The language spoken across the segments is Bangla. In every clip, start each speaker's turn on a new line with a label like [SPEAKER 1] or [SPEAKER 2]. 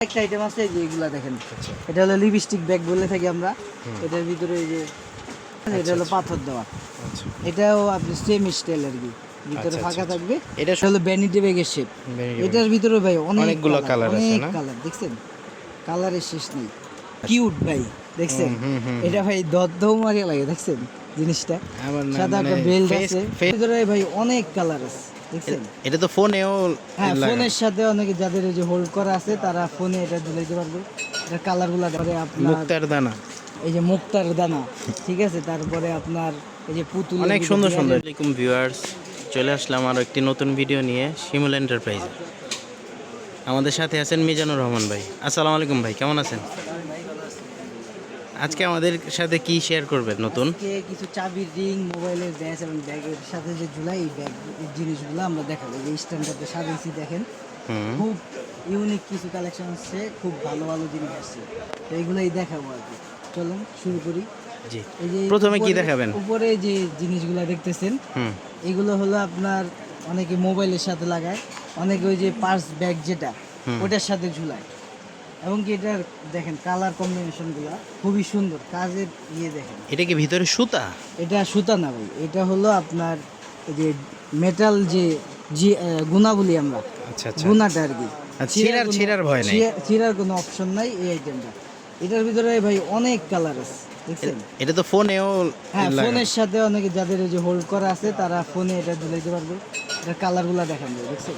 [SPEAKER 1] একটা আইটেম আছে যে এগুলা দেখেন, এটা হলো লিপস্টিক ব্যাগ বলে থাকি আমরা। এটার ভিতরে এই যে এটা হলো পাথর দেওয়া, এটাও আপনি সেম স্টাইল আর কি, ভিতরে ফাঁকা থাকবে। এটা হলো ভ্যানিটি ব্যাগের শেপ। এটার ভিতরে ভাই অনেকগুলো কালার আছে, অনেক কালার দেখছেন, কালারের শেষ নেই। কিউট ভাই দেখছেন, এটা ভাই দদ্দও মারিয়া লাগে দেখছেন জিনিসটা। সাদা একটা বেল্ট আছে, ভিতরে ভাই অনেক কালার আছে দেখছেন।
[SPEAKER 2] এটা তো ফোনেও,
[SPEAKER 1] হ্যাঁ ফোনের সাথে অনেকে যাদের এই যে হোল্ড করা আছে তারা ফোনে এটা ঝুলাইতে পারবে। এটা কালারগুলো ধরে আপনার
[SPEAKER 2] মুক্তার দানা,
[SPEAKER 1] এই যে মুক্তার দানা, ঠিক আছে। তারপরে আপনার এই যে পুতুল,
[SPEAKER 2] অনেক সুন্দর সুন্দর। আসসালামু আলাইকুম ভিউয়ার্স, চলে আসলাম আরও একটি নতুন ভিডিও নিয়ে শিমুল এন্টারপ্রাইজে। আমাদের সাথে আছেন মিজানুর রহমান ভাই। আসসালামু আলাইকুম ভাই, কেমন আছেন? আজকে আমাদের সাথে কি শেয়ার করবেন নতুন?
[SPEAKER 1] কিছু চাবির রিং, মোবাইলের ব্যাস এবং ব্যাগের সাথে যে ঝুলাই এই ব্যাগ জিনিসগুলো আমরা দেখাবো। এই স্ট্যান্ডার্ডে সাজিয়েছি দেখেন, খুব ইউনিক কিছু কালেকশন আসছে, খুব ভালো ভালো জিনিস আসছে, তো এইগুলোই দেখাবো আর কি। চলুন শুরু করি।
[SPEAKER 2] জি,
[SPEAKER 1] এই যে
[SPEAKER 2] প্রথমে কি দেখাবেন?
[SPEAKER 1] উপরে যে জিনিসগুলো দেখতেছেন এগুলো হলো আপনার অনেকে মোবাইলের সাথে লাগায়, অনেকে ওই যে পার্স ব্যাগ যেটা ওটার সাথে ঝুলায়। এবং কি এটার দেখেন কালার কম্বিনেশনগুলো খুবই সুন্দর, কাজের দেখেন।
[SPEAKER 2] এটা কি ভিতরে সুতা?
[SPEAKER 1] এটা সুতা না ভাই, এটা হলো আপনার এই যে মেটাল যে গুণা বলি আমরা,
[SPEAKER 2] আচ্ছা আচ্ছা,
[SPEAKER 1] গুণাটা আর কি।
[SPEAKER 2] ছিঁড়ার ভয় নেই,
[SPEAKER 1] ছিঁড়ার কোনো অপশন নাই এই আইটেমটা। এটার ভিতরে ভাই অনেক কালার আছে দেখছেন।
[SPEAKER 2] এটা তো ফোনেও,
[SPEAKER 1] হ্যাঁ ফোনের সাথে অনেকে যাদের এই যে হোল্ড করা আছে তারা ফোনে এটা ঝুলাইতে পারবে। এটার কালারগুলো দেখেন ভাই, দেখছেন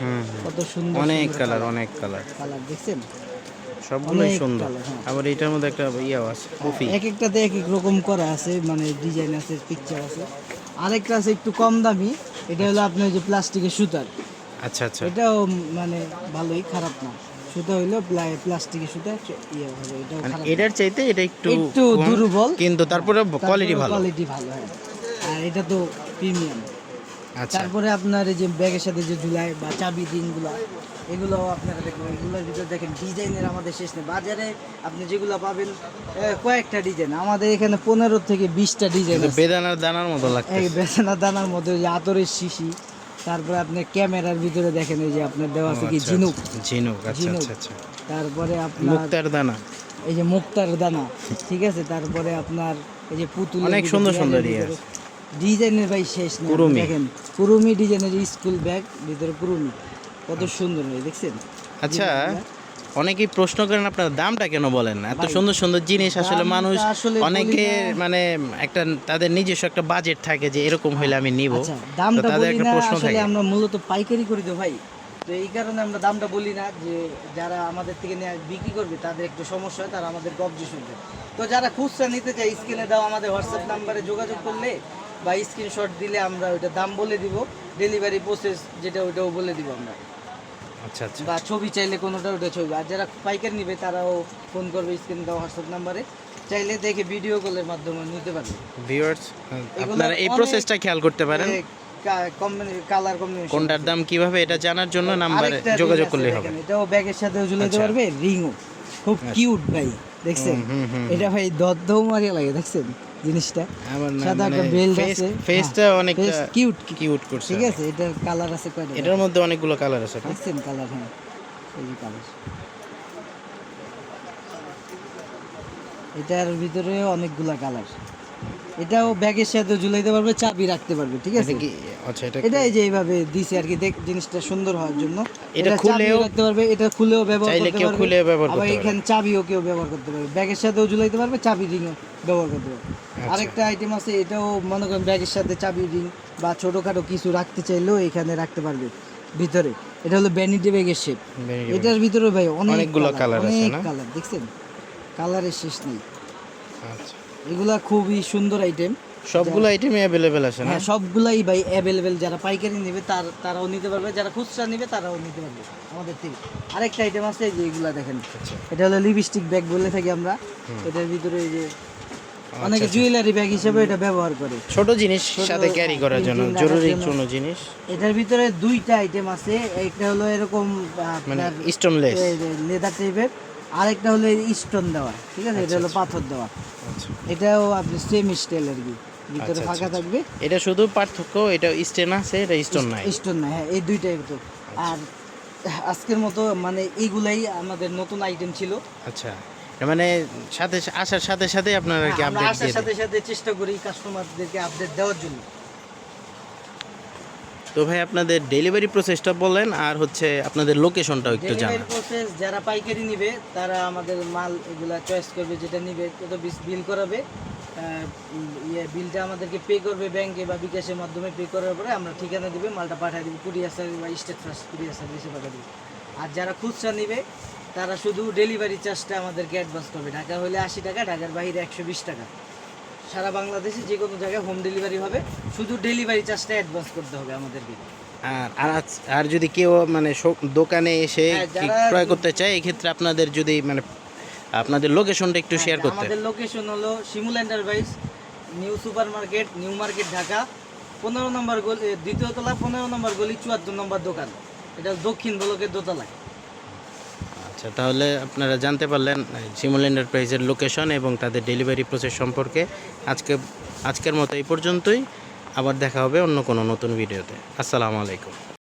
[SPEAKER 1] কত সুন্দর,
[SPEAKER 2] অনেক কালার, অনেক কালার
[SPEAKER 1] দেখছেন,
[SPEAKER 2] সবগুলোই সুন্দর। আবার এটার মধ্যে একটা ইয়াও আছে, কফি।
[SPEAKER 1] এক একটাতে এক এক রকম করা আছে, মানে ডিজাইন আছে, পিকচার আছে। আরেকটা আছে একটু কম দামি, এটা হলো আপনার যে প্লাস্টিকের সুতার।
[SPEAKER 2] আচ্ছা আচ্ছা,
[SPEAKER 1] এটাও মানে ভালোই, খারাপ না। সুতা হইলো প্লাস্টিকের সুতা, ইয়ে হবে, এটাও
[SPEAKER 2] মানে
[SPEAKER 1] খারাপ
[SPEAKER 2] এটার চাইতে এটা একটু
[SPEAKER 1] দুর্বল,
[SPEAKER 2] কিন্তু তারপরে কোয়ালিটি ভালো।
[SPEAKER 1] কোয়ালিটি ভালো, হ্যাঁ। আর এটা তো প্রিমিয়াম।
[SPEAKER 2] আচ্ছা,
[SPEAKER 1] তারপরে আপনার এই যে ব্যাগের সাথে যে ঝুলায় বা চাবি রিংগুলো, এগুলো আপনারা দেখবেন। এগুলোর ভিতরে দেখেন ডিজাইনের আমাদের শেষ নেই। বাজারে আপনি যেগুলো পাবেন কয়েকটা ডিজাইন, আমাদের এখানে 15 থেকে 20টা ডিজাইন।
[SPEAKER 2] বেদানার দানার মতো লাগে,
[SPEAKER 1] এই বেদানার দানার মধ্যে যে আতরের শিশি। তারপরে আপনি ক্যামেরার ভিতরে দেখেন এই যে আপনার দেওয়া আছে কি ঝিনুক,
[SPEAKER 2] ঝিনুক। আচ্ছা আচ্ছা আচ্ছা,
[SPEAKER 1] তারপরে আপনার
[SPEAKER 2] মুক্তার দানা,
[SPEAKER 1] এই যে মুক্তার দানা, ঠিক আছে। তারপরে আপনার এই যে পুতুল,
[SPEAKER 2] অনেক সুন্দর সুন্দর
[SPEAKER 1] ডিজাইনের ভাই শেষ নেই। দেখেন কুরুমি ডিজাইনের স্কুল ব্যাগ, ভিতরে কুরুমি, কত সুন্দর হয় দেখছেন।
[SPEAKER 2] আচ্ছা, অনেকেই প্রশ্ন করেন আপনার দামটা কেন বলেন না? এত সুন্দর সুন্দর জিনিস আসলে মানুষ অনেকে মানে একটা তাদের নিজস্ব একটা বাজেট থাকে যে এরকম হইলে আমি নিব,
[SPEAKER 1] দামটা বলি না। আসলে আমরা মূলত পাইকারি করি তো ভাই, তো এই কারণে আমরা দামটা বলি না। যে যারা আমাদের থেকে নিয়ে বিক্রি করবে তাদের একটু সমস্যা হয়, তারা আমাদের অবজেকশন দেয়। তো যারা খুচরা নিতে চায় স্ক্রিনে দাও আমাদের হোয়াটসঅ্যাপ নাম্বারে যোগাযোগ করলে বা স্ক্রিনশট দিলে আমরা ওইটা দাম বলে দিব, ডেলিভারি প্রসেস যেটা ওইটাও বলে দিব আমরা।
[SPEAKER 2] আচ্ছা আচ্ছা,
[SPEAKER 1] বা ছবি চাইলে কোনোটা ওটা ছবি। আর যারা পাইকারি নিবে তারাও ফোন করবে স্ক্রিনে দাও হোয়াটসঅ্যাপ নাম্বারে, চাইলে দেখে ভিডিও কলের মাধ্যমে নিতে পারবে।
[SPEAKER 2] ভিউয়ার্স আপনারা এই প্রসেসটা খেয়াল করতে পারেন।
[SPEAKER 1] কালার কম্বিনেশন,
[SPEAKER 2] কোনটার দাম কিভাবে এটা জানার জন্য নাম্বারে যোগাযোগ করলে হবে।
[SPEAKER 1] এটাও ব্যাগের সাথে ঝুলাতে পারবে, রিংও খুব কিউট ভাই দেখছেন। এটা ভাই দদ্দও মারিয়া লাগে দেখছেন জিনিসটা। সাদা একটা বেল্ট আছে,
[SPEAKER 2] ফেসটা অনেক
[SPEAKER 1] কিউট
[SPEAKER 2] কিউট করছে,
[SPEAKER 1] ঠিক আছে। এটার কালার আছে কয়টা,
[SPEAKER 2] এটার মধ্যে অনেকগুলো কালার আছে
[SPEAKER 1] দেখছেন কালার। হ্যাঁ এই যে কালার, এটার ভিতরে অনেকগুলা কালার। এটাও ব্যাগের সাথে ঝুলাইতে পারবে, চাবি রাখতে পারবে, ঠিক আছে।
[SPEAKER 2] আচ্ছা,
[SPEAKER 1] এটা এই যে এইভাবে দিছে আর কি, জিনিসটা সুন্দর হওয়ার জন্য।
[SPEAKER 2] এটা খুলেও
[SPEAKER 1] রাখতে পারবে, এটা খুলেও ব্যবহার
[SPEAKER 2] চাইলে
[SPEAKER 1] করতে
[SPEAKER 2] কেউ
[SPEAKER 1] পারবে,
[SPEAKER 2] খুলে ব্যবহার করতে
[SPEAKER 1] আবার
[SPEAKER 2] পারবে।
[SPEAKER 1] এখানে চাবিও কেউ ব্যবহার করতে পারবে, ব্যাগের সাথেও ঝুলাইতে পারবে, চাবি রিংও ব্যবহার করতে পারবে। আরেকটা আইটেম আছে, এটাও মনে করেন ব্যাগের সাথে চাবি রিং বা ছোটখাটো কিছু রাখতে চাইলেও এখানে রাখতে পারবে ভিতরে। এটা হলো ভ্যানিটি ব্যাগের শেপ। এটার ভিতরে ভাই অনেকগুলো কালার আছে, না কালার দেখছেন, কালারের শেষ নেই।
[SPEAKER 2] আচ্ছা,
[SPEAKER 1] এগুলা খুবই সুন্দর আইটেম,
[SPEAKER 2] সবগুলো আইটেমই अवेलेबल আছে না?
[SPEAKER 1] হ্যাঁ সবগুলাই ভাই অ্যাভেলেবেল। যারা পাইকারি নেবে তারাও নিতে পারবে, যারা খুচরা নেবে তারাও নিতে পারবে আমাদের থেকে। আরেকটা আইটেম আছে যে এগুলা দেখেন, এটা হলো লিপস্টিক ব্যাগ বলে থাকি আমরা। এটার ভিতরে এই যে অনেকে জুয়েলারি ব্যাগ হিসেবে এটা ব্যবহার করে,
[SPEAKER 2] ছোট জিনিস সাথে ক্যারি করার জন্য, জরুরি কোনো জিনিস।
[SPEAKER 1] এটার ভিতরে দুইটা আইটেম আছে, একটা হলো এরকম
[SPEAKER 2] মানে স্টোনলেস
[SPEAKER 1] লেদার টাইপের, আরেকটা হলো স্টোন দেওয়া, ঠিক আছে। এটা হলো পাথর দেওয়া, এটাও আপনি সেম স্টাইল আর কি, ভিতরে ফাঁকা থাকবে।
[SPEAKER 2] এটা শুধু পার্থক্য, এটা স্টোন আছে, এটা স্টোন নাই,
[SPEAKER 1] স্টোন নাই, হ্যাঁ এই দুইটাই তো। আর আজকের মতো মানে এইগুলাই আমাদের নতুন আইটেম ছিল।
[SPEAKER 2] আচ্ছা, এর মানে সাথে আসার সাথে সাথে আপনারা আর কি
[SPEAKER 1] আমরা
[SPEAKER 2] আপডেট
[SPEAKER 1] আসার
[SPEAKER 2] দিয়ে দেন।
[SPEAKER 1] সাথে সাথে চেষ্টা করি কাস্টমারদেরকে আপডেট দেওয়ার জন্য।
[SPEAKER 2] তো ভাই আপনাদের ডেলিভারি প্রসেসটা বলেন, আর হচ্ছে আপনাদের লোকেশনটাও একটু
[SPEAKER 1] ডেলিভারি
[SPEAKER 2] জানান।
[SPEAKER 1] প্রসেস যারা পাইকারি নিবে তারা আমাদের মাল এগুলা চয়েস করবে, যেটা নিবে তত বিল করাবে। বিলটা আমাদেরকে পে করবে ব্যাংকে বা বিকাশের মাধ্যমে। পে করার পরে আমরা ঠিকানা দিবে, মালটা পাঠিয়ে দিব কুরিয়ার সার্ভিস বা স্টেট ফার্স্ট কুরিয়ার সার্ভিসে পাঠিয়ে দিব। আর যারা খুচরা নিবে তারা শুধু ডেলিভারি চার্জটা আমাদেরকে অ্যাডভান্স করবে। ঢাকা হলে 80 টাকা, ঢাকার বাইরে 120 টাকা। সারা বাংলাদেশে যে কোনো জায়গায় হোম ডেলিভারি হবে, শুধু ডেলিভারি চার্জটা অ্যাডভান্স করতে হবে আমাদেরকে।
[SPEAKER 2] আর যদি কেউ মানে দোকানে এসে
[SPEAKER 1] হ্যাঁ,
[SPEAKER 2] কি
[SPEAKER 1] যারা-
[SPEAKER 2] ক্রয় করতে চায়, এই ক্ষেত্রে আপনাদের যদি মানে আপনাদের লোকেশনটা একটু শেয়ার করতে।
[SPEAKER 1] আমাদের লোকেশন হলো Shimul enterprise, new super market, new market, Dhaka. 15 নম্বর গলি, দ্বিতীয় তলা, 15 নম্বর গলি, 74 নম্বর দোকান। এটা দক্ষিণ ব্লকের দোতলায়।
[SPEAKER 2] আচ্ছা, তাহলে আপনারা জানতে পারলেন শিমুল এন্টারপ্রাইজের লোকেশন এবং তাদের ডেলিভারি প্রসেস সম্পর্কে। আজকের মতো এই পর্যন্তই। আবার দেখা হবে অন্য কোনো নতুন ভিডিওতে। আসসালামু আলাইকুম।